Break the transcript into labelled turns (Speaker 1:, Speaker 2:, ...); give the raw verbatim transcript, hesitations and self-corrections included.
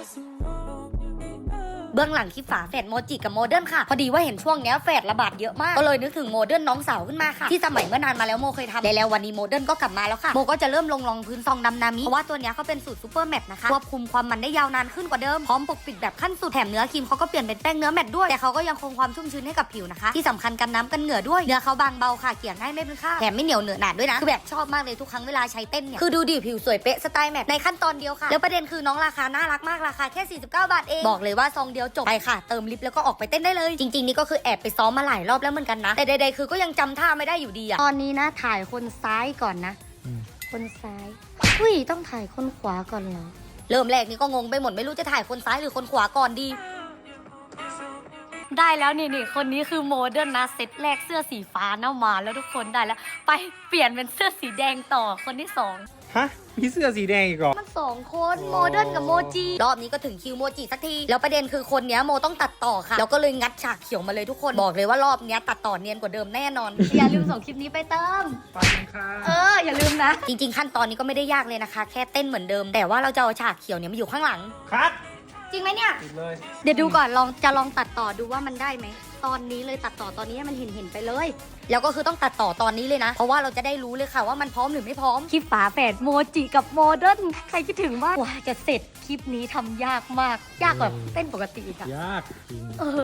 Speaker 1: เบื้องหลังคลิปฝาแฝดโมจิกับโมเดิร์นค่ะพอดีว่าเห็นช่วงนี้แฝดระบาดเยอะมากก็เลยนึกถึงโมเดิร์นน้องสาวขึ้นมาค่ะที่สมัยเมื่อนานมาแล้วโมเคยทำแล้ววันนี้โมเดิร์นก็กลับมาแล้วค่ะโมก็จะเริ่มลงรองพื้นซองดำนามิเพราะว่าตัวนี้เขาเป็นสูตรซูเปอร์แมตต์นะคะควบคุมความมันได้ยาวนานขึ้นกว่าเดิมพร้อมปกปิดแบบขั้นสุดแถมเนื้อครีมเขาก็เปลี่ยนเป็นแป้งเนื้อแมตต์ด้วยแต่เขาก็ยังคงความชุ่มชื้นให้กับผิวนะคะที่สำคัญกันน้ำกันเหงื่อด้วยเนื้อเขาบางเบาค่ะเกลี่ยง่ายไม่เป็นคราบแถมไม่เหนียวเหนอะหนาด้วยนะคือแบบชอบมากเลยทุกครั้งเวลาใช้เต้นเนี่ยคือดูดิผิวสวยเป๊ะสไตล์แมตต์ในขั้นตอนเดียวค่ะแล้วประเด็นคือน้องราคาน่ารักมากราคาแค่สี่สิบเก้าบาทเองบอกเลยว่าซองเดียวจบไปค่ะเติมลิปแล้วก็ออกไปเต้นได้เลยจริงๆนี่ก็คือแอบไปซ้อมมาหลายรอบแล้วเหมือนกันนะแต่ใดๆคือก็ยังจำท่าไม่ได้อยู่ดีอะตอนนี้นะถ่ายคนซ้ายก่อนนะคนซ้ายอุ้ยต้องถ่ายคนขวาก่อนเหรอเริ่มแรกนี่ก็งงไปหมดไม่รู้จะถ่ายคนซ้ายหรือคนขวาก่อนดีได้แล้วนี่นี่คนนี้คือโมเดิร์นนะเซตแรกเสื้อสีฟ้าหน้ามาแล้วทุกคนได้แล้วไปเปลี่ยนเป็นเสื้อสีแดงต่อคนที่สอง
Speaker 2: ฮะมีเสื้อสีแดงอีกเหรอ
Speaker 1: มันสองคนโมเดิร์นกับโมจิรอบนี้ก็ถึงคิวโมจิสักทีแล้วประเด็นคือคนเนี้ยโมต้องตัดต่อค่ะแล้วก็เลยงัดฉากเขียวมาเลยทุกคนบอกเลยว่ารอบเนี้ยตัดต่อเนียนกว่าเดิมแน่นอน อย่าลืมส่งคลิปนี้ไปเติม
Speaker 2: ไปค่ะ
Speaker 1: เอออย่าลืมนะจริงๆขั้นตอนนี้ก็ไม่ได้ยากเลยนะคะแค่เต้นเหมือนเดิมแต่ว่าเราจะเอาฉากเขียวเนี่ยมาอยู่ข้างหลัง
Speaker 2: คัด
Speaker 1: จริงไหมเนี่ย
Speaker 2: เลย
Speaker 1: เดี๋ยวดูก่อนลองจะลองตัดต่อดูว่ามันได้ไหมตอนนี้เลยตัดต่อตอนนี้ให้มันเห็นเห็นไปเลยแล้วก็คือต้องตัดต่อตอนนี้เลยนะเพราะว่าเราจะได้รู้เลยค่ะว่ามันพร้อมหรือไม่พร้อมคลิปฝาแฝดโมจิกับโมเดิร์นใครคิดถึงว่ากว่าจะเสร็จคลิปนี้ทำยากมากยากกว่าเต้นปกติอีกอะ
Speaker 2: ยากจริง